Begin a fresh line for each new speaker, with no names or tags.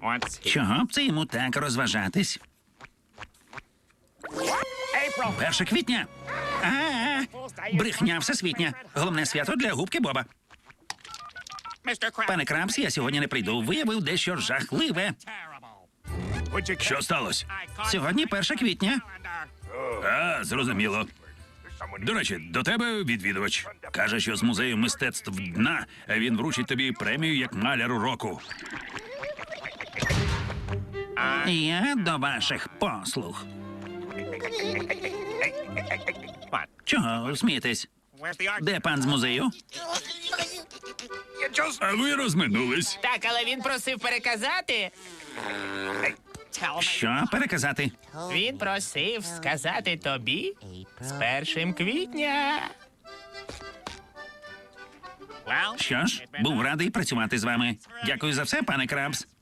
Чого б це йому так розважатись? 1 квітня. Брехня всесвітня. Головне свято для губки Боба. Пане Крабс, я сьогодні не прийду. Виявив дещо жахливе. Що сталося? Сьогодні 1 квітня. Зрозуміло. До речі, до тебе відвідувач. Каже, що з музею мистецтв дна він вручить тобі премію як маляру року. Я до ваших послуг. Чого смієтесь? Де пан з музею? А ви розминулись.
Так, але він просив переказати.
Що переказати?
Він просив сказати тобі з 1 квітня.
Що ж, був радий працювати з вами. Дякую за все, пане Крабс.